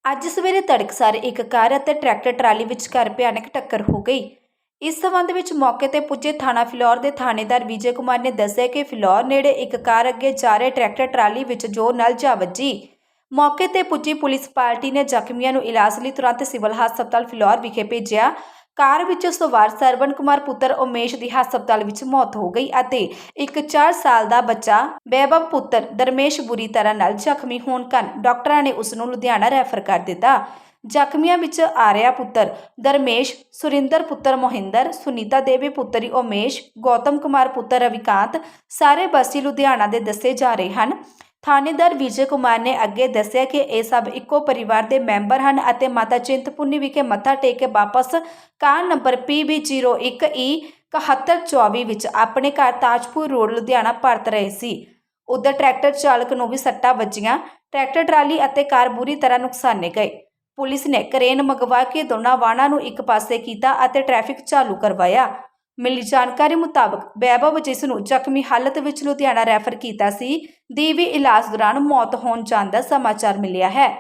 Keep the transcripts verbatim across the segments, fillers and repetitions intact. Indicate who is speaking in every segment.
Speaker 1: ਅੱਜ ਸਵੇਰੇ ਤੜਕਸਾਰ ਇੱਕ ਕਾਰ ਅਤੇ ਟਰੈਕਟਰ ਟਰਾਲੀ ਵਿਚਕਾਰ ਭਿਆਨਕ ਟੱਕਰ ਹੋ ਗਈ। ਇਸ ਸੰਬੰਧ ਵਿੱਚ ਮੌਕੇ ਤੇ ਪੁੱਜੇ ਥਾਣਾ ਫਿਲੌਰ ਦੇ ਥਾਣੇਦਾਰ ਵਿਜੇ ਕੁਮਾਰ ਨੇ ਦੱਸਿਆ ਕਿ ਫਿਲੌਰ ਨੇੜੇ ਇੱਕ ਕਾਰ ਅੱਗੇ ਜਾ ਰਹੇ ਟਰੈਕਟਰ ਟਰਾਲੀ ਵਿੱਚ ਜ਼ੋਰ ਨਾਲ ਜਾ ਵੱਜੀ। ਮੌਕੇ ਤੇ ਪੁੱਜੀ ਪੁਲਿਸ ਪਾਰਟੀ ਨੇ ਜ਼ਖਮੀਆਂ ਨੂੰ ਇਲਾਜ ਲਈ ਤੁਰੰਤ ਸਿਵਲ ਹਸਪਤਾਲ ਫਿਲੌਰ ਵਿਖੇ ਭੇਜਿਆ। ਕਾਰ ਵਿੱਚ ਸਵਾਰ ਸਰਵਣ ਕੁਮਾਰ ਪੁੱਤਰ ਉਮੇਸ਼ ਦੀ ਹਸਪਤਾਲ ਵਿੱਚ ਮੌਤ ਹੋ ਗਈ ਅਤੇ ਇੱਕ ਚਾਰ ਸਾਲ ਦਾ ਬੱਚਾ ਬੈਬਬ ਪੁੱਤਰ ਦਰਮੇਸ਼ ਬੁਰੀ ਤਰ੍ਹਾਂ ਨਾਲ ਜ਼ਖਮੀ ਹੋਣ ਕਾਰਨ ਡਾਕਟਰਾਂ ਨੇ ਉਸ ਨੂੰ ਲੁਧਿਆਣਾ ਰੈਫਰ ਕਰ ਦਿੱਤਾ। ਜ਼ਖਮੀਆਂ ਵਿੱਚ ਆਰਿਆ ਪੁੱਤਰ ਦਰਮੇਸ਼, ਸੁਰਿੰਦਰ ਪੁੱਤਰ ਮੋਹਿੰਦਰ, ਸੁਨੀਤਾ ਦੇਵੀ ਪੁੱਤਰੀ ਉਮੇਸ਼, ਗੌਤਮ ਕੁਮਾਰ ਪੁੱਤਰ ਰਵਿਕਾਂਤ ਸਾਰੇ ਬਸੀ ਲੁਧਿਆਣਾ ਦੇ ਦੱਸੇ ਜਾ ਰਹੇ ਹਨ। ਥਾਣੇਦਾਰ ਵਿਜੇ ਕੁਮਾਰ ਨੇ ਅੱਗੇ ਦੱਸਿਆ ਕਿ ਇਹ ਸਭ ਇੱਕੋ ਪਰਿਵਾਰ ਦੇ ਮੈਂਬਰ ਹਨ ਅਤੇ ਮਾਤਾ ਚਿੰਤਪੁਰਨੀ ਵਿਖੇ ਮੱਥਾ ਟੇਕ ਕੇ ਵਾਪਸ car number P B zero ਇੱਕ ਈ ਇਕਹੱਤਰ ਚੌਵੀ ਵਿੱਚ ਆਪਣੇ ਘਰ ਤਾਜਪੁਰ ਰੋਡ ਲੁਧਿਆਣਾ ਪਰਤ ਰਹੇ ਸੀ। ਉਧਰ ਟਰੈਕਟਰ ਚਾਲਕ ਨੂੰ ਵੀ ਸੱਟਾਂ ਵੱਜੀਆਂ। ਟਰੈਕਟਰ ਟਰਾਲੀ ਅਤੇ ਕਾਰ ਬੁਰੀ ਤਰ੍ਹਾਂ ਨੁਕਸਾਨੇ ਗਏ। ਪੁਲਿਸ ਨੇ ਕਰੇਨ ਮੰਗਵਾ ਕੇ ਦੋਨਾਂ ਵਾਹਨਾਂ ਨੂੰ ਇੱਕ ਪਾਸੇ ਕੀਤਾ ਅਤੇ ਟ੍ਰੈਫਿਕ ਚਾਲੂ ਕਰਵਾਇਆ। ਮਿਲੀ ਜਾਣਕਾਰੀ ਮੁਤਾਬਕ ਬੈਬਬ, ਜਿਸ ਨੂੰ ਜ਼ਖਮੀ ਹਾਲਤ ਵਿੱਚ ਲੁਧਿਆਣਾ ਰੈਫਰ ਕੀਤਾ ਸੀ, ਦੀ ਵੀ ਇਲਾਜ ਦੌਰਾਨ ਮੌਤ ਹੋਣ ਜਾਣ ਦਾ ਸਮਾਚਾਰ ਮਿਲਿਆ ਹੈ।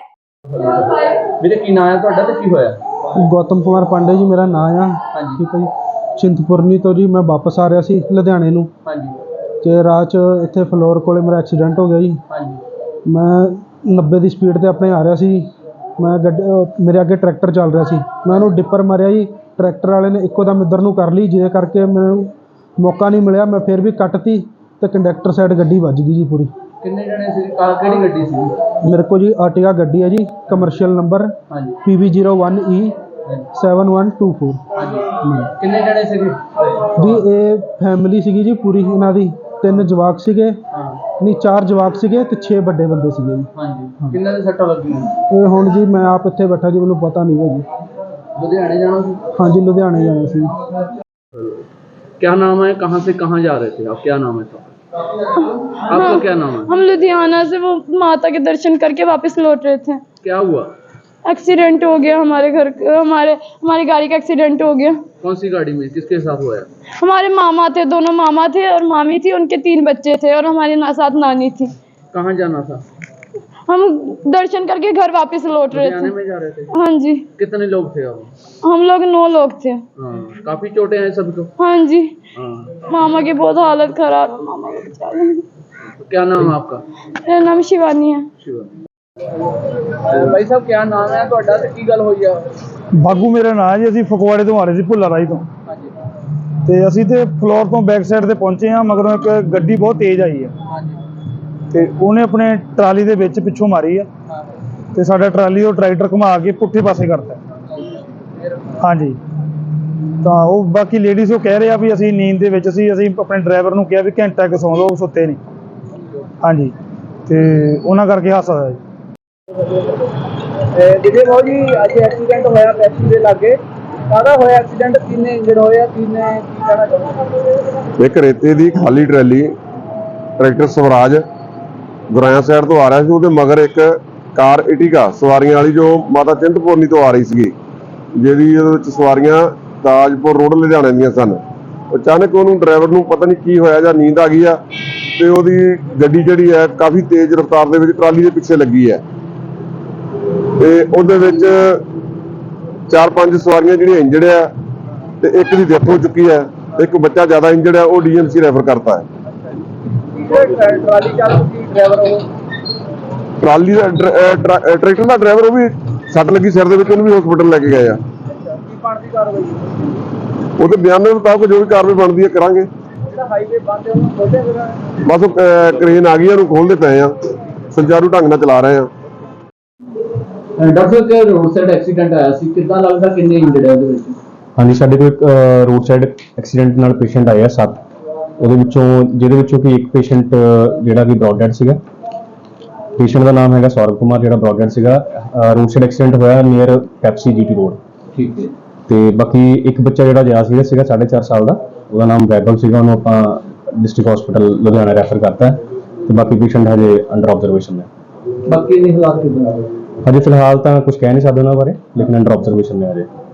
Speaker 2: ਵੀਰੇ ਕੀ ਨਾਮ ਹੈ ਤੁਹਾਡਾ ਤੇ ਕੀ ਹੋਇਆ?
Speaker 3: ਗੌਤਮ ਕੁਮਾਰ ਪਾਂਡੇ ਜੀ ਮੇਰਾ ਨਾਮ ਆ।
Speaker 2: ਹਾਂਜੀ
Speaker 3: ਠੀਕ ਹੈ ਜੀ। ਚਿੰਤਪੁਰਨੀ ਤੋਂ ਜੀ ਮੈਂ ਵਾਪਸ ਆ ਰਿਹਾ ਸੀ ਲੁਧਿਆਣੇ ਨੂੰ।
Speaker 2: ਹਾਂਜੀ
Speaker 3: ਤੇ ਰਾਹ 'ਚ ਇੱਥੇ ਫਲੋਰ ਕੋਲੇ ਮੇਰਾ ਐਕਸੀਡੈਂਟ ਹੋ ਗਿਆ ਜੀ।
Speaker 2: ਹਾਂਜੀ
Speaker 3: ਮੈਂ ਨੱਬੇ ਦੀ ਸਪੀਡ ਤੇ ਆਪਣੇ ਆ ਰਿਹਾ ਸੀ। ਮੈਂ ਗੱਡੀ ਮੇਰੇ ਅੱਗੇ ਟਰੈਕਟਰ ਚੱਲ ਰਿਹਾ ਸੀ। ਮੈਂ ਉਹਨੂੰ ਡਿੱਪਰ ਮਾਰਿਆ ਜੀ। ਟਰੈਕਟਰ ਵਾਲੇ ਨੇ ਇੱਕੋ ਦਮ ਇੱਧਰ ਨੂੰ ਕਰ ਲਈ, ਜਿਹਦੇ ਕਰਕੇ ਮੈਨੂੰ ਮੌਕਾ ਨਹੀਂ ਮਿਲਿਆ। ਮੈਂ ਫਿਰ ਵੀ ਕੱਟਤੀ ਤੇ ਕੰਡਕਟਰ ਸਾਈਡ ਗੱਡੀ ਵੱਜ ਗਈ ਜੀ ਪੂਰੀ।
Speaker 2: ਕਿੰਨੇ ਜਣੇ ਸੀ? ਕਾਰ ਕਿਹੜੀ ਗੱਡੀ ਸੀ?
Speaker 3: ਮੇਰੇ ਕੋਲ ਜੀ ਆਰਟੀਗਾ ਗੱਡੀ ਹੈ ਜੀ, ਕਮਰਸ਼ੀਅਲ ਨੰਬਰ
Speaker 2: ਹਾਂਜੀ
Speaker 3: P B zero one E seven one two four.
Speaker 2: ਹਾਂਜੀ ਕਿੰਨੇ ਜਣੇ ਸੀਗੇ
Speaker 3: ਜੀ? ਇਹ ਫੈਮਿਲੀ ਸੀਗੀ ਜੀ ਪੂਰੀ। ਇਹਨਾਂ ਦੀ ਤਿੰਨ ਜਵਾਕ ਸੀਗੇ,
Speaker 2: ਹਾਂ
Speaker 3: ਨਹੀਂ ਚਾਰ ਜਵਾਕ ਸੀਗੇ ਤੇ ਛੇ ਵੱਡੇ ਬੰਦੇ ਸੀਗੇ ਜੀ।
Speaker 2: ਹਾਂਜੀ ਕਿੰਨਾਂ ਦੇ ਸੱਟਾਂ ਲੱਗੀਆਂ?
Speaker 3: ਇਹ ਹੁਣ ਜੀ ਮੈਂ ਆਪ ਇੱਥੇ ਬੈਠਾ ਜੀ, ਮੈਨੂੰ ਪਤਾ ਨਹੀਂ ਹੈ ਜੀ।
Speaker 2: लुधियाने जाना ਸੀ?
Speaker 3: ਹਾਂਜੀ ਲੁਧਿਆਣੇ ਜਾਣਾ ਸੀ।
Speaker 2: क्या नाम है? कहाँ से कहाँ जा रहे थे आप? क्या नाम है तो? आपका क्या नाम है?
Speaker 4: हम लुधियाना से वो माता के दर्शन करके वापस लौट रहे थे।
Speaker 2: क्या हुआ?
Speaker 4: एक्सीडेंट हो गया हमारे घर, हमारे हमारी गाड़ी का एक्सीडेंट हो गया।
Speaker 2: कौन सी गाड़ी में? किसके साथ हुआ है?
Speaker 4: हमारे मामा थे, दोनों मामा थे और मामी थी, उनके तीन बच्चे थे और हमारे ना, साथ नानी थी।
Speaker 2: कहाँ जाना था?
Speaker 4: हम दर्शन करके घर वापस लौट रहे थे।
Speaker 2: में जा रहे थे?
Speaker 4: हाँ जी।
Speaker 2: कितने लोग थे आप?
Speaker 4: हम लोग नौ लोग थे।
Speaker 2: हाँ काफी चोटें हैं सबको?
Speaker 4: हाँ जी।
Speaker 2: हाँ
Speaker 4: मामा की बहुत हालत खराब है। मामा को बेचारे।
Speaker 2: तो क्या नाम है आपका?
Speaker 4: मेरा नाम शिवानी है।
Speaker 2: भाई साहब क्या नाम है ਤੁਹਾਡਾ ਤੇ ਕੀ ਗੱਲ ਹੋਈ ਆ?
Speaker 3: ਬਾਗੂ ਮੇਰਾ ਨਾਂ ਜੀ। ਅਸੀਂ ਫਗਵਾੜੇ ਤੋਂ ਆ ਰਹੇ ਸੀ, ਭੁੱਲਾ ਰਾਈ ਤੋਂ।
Speaker 2: ਹਾਂਜੀ
Speaker 3: ਤੇ ਅਸੀਂ ਤੇ ਫਲੋਰ ਤੋਂ ਬੈਕ ਸਾਈਡ ਤੇ ਪਹੁੰਚੇ ਹਾਂ। ਮਗਰੋਂ ਇੱਕ ਗੱਡੀ ਬਹੁਤ ਤੇਜ਼ ਆਈ ਹੈ
Speaker 2: ਹਾਂਜੀ
Speaker 3: ਤੇ ਉਹਨੇ ਆਪਣੇ ਟਰਾਲੀ ਦੇ ਵਿੱਚ ਪਿੱਛੋਂ ਮਾਰੀ ਆ
Speaker 2: ਹਾਂ
Speaker 3: ਤੇ ਸਾਡਾ ਟਰਾਲੀ ਉਹ ਟਰੈਕਟਰ ਘੁਮਾ ਕੇ ਪੁੱਠੇ ਪਾਸੇ ਕਰਤਾ।
Speaker 2: ਫਿਰ
Speaker 3: ਹਾਂਜੀ ਤਾਂ ਉਹ ਬਾਕੀ ਲੇਡੀਜ਼ ਉਹ ਕਹਿ ਰਹੇ ਆ ਵੀ ਅਸੀਂ ਨੀਂਦ ਦੇ ਵਿੱਚ ਸੀ। ਅਸੀਂ ਆਪਣੇ ਡਰਾਈਵਰ ਨੂੰ ਕਿਹਾ ਵੀ ਘੰਟਾ ਕੁ ਸੌਂ ਲਓ, ਸੁੱਤੇ ਨਹੀਂ। ਹਾਂਜੀ ਤੇ ਉਹਨਾਂ ਕਰਕੇ ਹਾਦਸਾ ਹੋਇਆ ਜੀ।
Speaker 2: ਜਿਹਦੇ ਬਾਬੂ ਜੀ ਅੱਜ ਐਕਸੀਡੈਂਟ ਹੋਇਆ ਪੈਪਸੀ ਦੇ ਲਾਗੇ, ਕਾਹਦਾ ਹੋਇਆ ਐਕਸੀਡੈਂਟ? ਕਿੰਨੇ ਇੰਜਰਡ ਹੋਏ ਆ? ਕਿੰਨੇ ਕੀ ਕਹਿਣਾ ਚਾਹੁੰਦੇ?
Speaker 5: ਇੱਕ ਰੇਤੇ ਦੀ ਖਾਲੀ trolley tractor Swaraj Guraya side ਤੋਂ ਆ ਰਿਹਾ ਸੀ। ਉਹਦੇ ਮਗਰ ਇੱਕ ਕਾਰ ਇਟੀਗਾ ਸਵਾਰੀਆਂ ਵਾਲੀ ਜੋ ਮਾਤਾ ਚਿੰਤਪੁਰਨੀ ਤੋਂ ਆ ਰਹੀ ਸੀਗੀ, ਜਿਹਦੀ ਉਹਦੇ ਵਿੱਚ ਸਵਾਰੀਆਂ ਤਾਜਪੁਰ ਰੋਡ ਲੁਧਿਆਣੇ ਦੀਆਂ ਸਨ। ਅਚਾਨਕ ਉਹਨੂੰ ਡਰਾਈਵਰ ਨੂੰ ਪਤਾ ਨਹੀਂ ਕੀ ਹੋਇਆ ਜਾਂ ਨੀਂਦ ਆ ਗਈ ਆ ਤੇ ਉਹਦੀ ਗੱਡੀ ਜਿਹੜੀ ਹੈ ਕਾਫੀ ਤੇਜ਼ ਰਫ਼ਤਾਰ ਦੇ ਵਿੱਚ ਟਰਾਲੀ ਦੇ ਪਿੱਛੇ ਲੱਗੀ ਹੈ ਤੇ ਉਹਦੇ ਵਿੱਚ ਚਾਰ ਪੰਜ ਸਵਾਰੀਆਂ ਜਿਹੜੀਆਂ ਇੰਜਰਡ ਆ ਤੇ ਇੱਕ ਦੀ ਡੈਥ ਹੋ ਚੁੱਕੀ ਹੈ। ਇੱਕ ਬੱਚਾ ਜ਼ਿਆਦਾ ਇੰਜਰਡ ਹੈ, ਉਹ ਡੀ ਐਮ ਸੀ ਰੈਫਰ ਕਰਤਾ ਹੈ।
Speaker 2: ਟਰਾਲੀ ਚਾਲਕ ਸੀ ਡਰਾਈਵਰ? ਉਹ
Speaker 5: ਟਰਾਲੀ ਦਾ ਟਰੈਕਟਰ ਦਾ ਡਰਾਈਵਰ, ਉਹ ਵੀ ਸੱਟ ਲੱਗੀ ਸਿਰ ਦੇ ਵਿੱਚ, ਉਹਨੂੰ ਵੀ ਹਸਪੀਟਲ ਲੈ ਕੇ ਗਏ ਆ।
Speaker 2: ਕੀ ਬਣਦੀ ਕਾਰਵਾਈ?
Speaker 5: ਉਹਦੇ ਬਿਆਨ ਦੇ ਮੁਤਾਬਕ ਜੋ ਵੀ ਕਾਰਵਾਈ ਬਣਦੀ ਹੈ ਕਰਾਂਗੇ।
Speaker 2: ਜਿਹੜਾ ਹਾਈਵੇ ਬੰਦ ਹੈ ਉਹਨੂੰ ਖੋਲ੍ਹਿਆ ਫਿਰ?
Speaker 5: ਬਸ ਉਹ ਕਰੇਨ ਆ ਗਈ, ਉਹਨੂੰ ਖੋਲਦੇ ਪਏ ਆ, ਸੁਚਾਰੂ ਢੰਗ ਨਾਲ ਚਲਾ ਰਹੇ ਆ।
Speaker 2: ਡਾਕਟਰ ਸਾਹਿਬ ਕਿ ਰੋਡ ਸਾਈਡ ਐਕਸੀਡੈਂਟ ਆਇਆ ਸੀ, ਕਿੱਦਾਂ ਲੱਗਦਾ ਕਿੰਨੇ ਇੰਜਰਡ ਹੈ ਉਹਦੇ ਵਿੱਚ?
Speaker 6: ਹਾਂਜੀ ਸਾਡੇ ਕੋਲ ਇੱਕ ਰੋਡ ਸਾਈਡ ਐਕਸੀਡੈਂਟ ਨਾਲ ਪੇਸ਼ੈਂਟ ਆਇਆ ਸੱਤ, ਉਹਦੇ ਵਿੱਚੋਂ ਜਿਹਦੇ ਵਿੱਚੋਂ ਕਿ ਇੱਕ ਪੇਸ਼ੈਂਟ ਜਿਹੜਾ ਕਿ ਬ੍ਰੌਡ ਡੈਡ ਸੀਗਾ। ਪੇਸ਼ੈਂਟ ਦਾ ਨਾਮ ਹੈਗਾ ਸੌਰਵ ਕੁਮਾਰ, ਜਿਹੜਾ ਬ੍ਰੌਡ ਡੈਡ ਸੀਗਾ। ਰੋਡ ਸਾਈਡ ਐਕਸੀਡੈਂਟ ਹੋਇਆ ਨੀਅਰ ਪੈਪਸੀ ਜੀਟੀ ਰੋਡ।
Speaker 2: ਠੀਕ ਹੈ।
Speaker 6: ਤੇ ਬਾਕੀ ਇੱਕ ਬੱਚਾ ਜਿਹੜਾ ਜਿਆਦਾ ਸੀਰੀਅਸ ਸੀਗਾ ਸਾਢੇ ਚਾਰ ਸਾਲ ਦਾ, ਉਹਦਾ ਨਾਮ ਬੈਬਲ ਸੀਗਾ। ਉਹਨੂੰ ਆਪਾਂ ਡਿਸਟ੍ਰਿਕਟ ਹਸਪੀਟਲ ਲੁਧਿਆਣਾ ਰੈਫਰ ਕਰਤਾ ਤੇ ਬਾਕੀ ਪੇਸ਼ੈਂਟ ਹਜੇ ਅੰਡਰ ਆਬਜ਼ਰਵੇਸ਼ਨ ਹੈ।
Speaker 2: ਬਾਕੀ ਦੇ ਹਾਲਾਤ ਕਿੱਦਾਂ?
Speaker 6: ਹਜੇ ਫਿਲਹਾਲ ਤਾਂ ਕੁਝ ਕਹਿ ਨਹੀਂ ਸਕਦੇ ਉਹਨਾਂ ਬਾਰੇ, ਲੇਕਿਨ ਅੰਡਰ ਆਬਜ਼ਰਵੇਸ਼ਨ ਨੇ ਹਜੇ।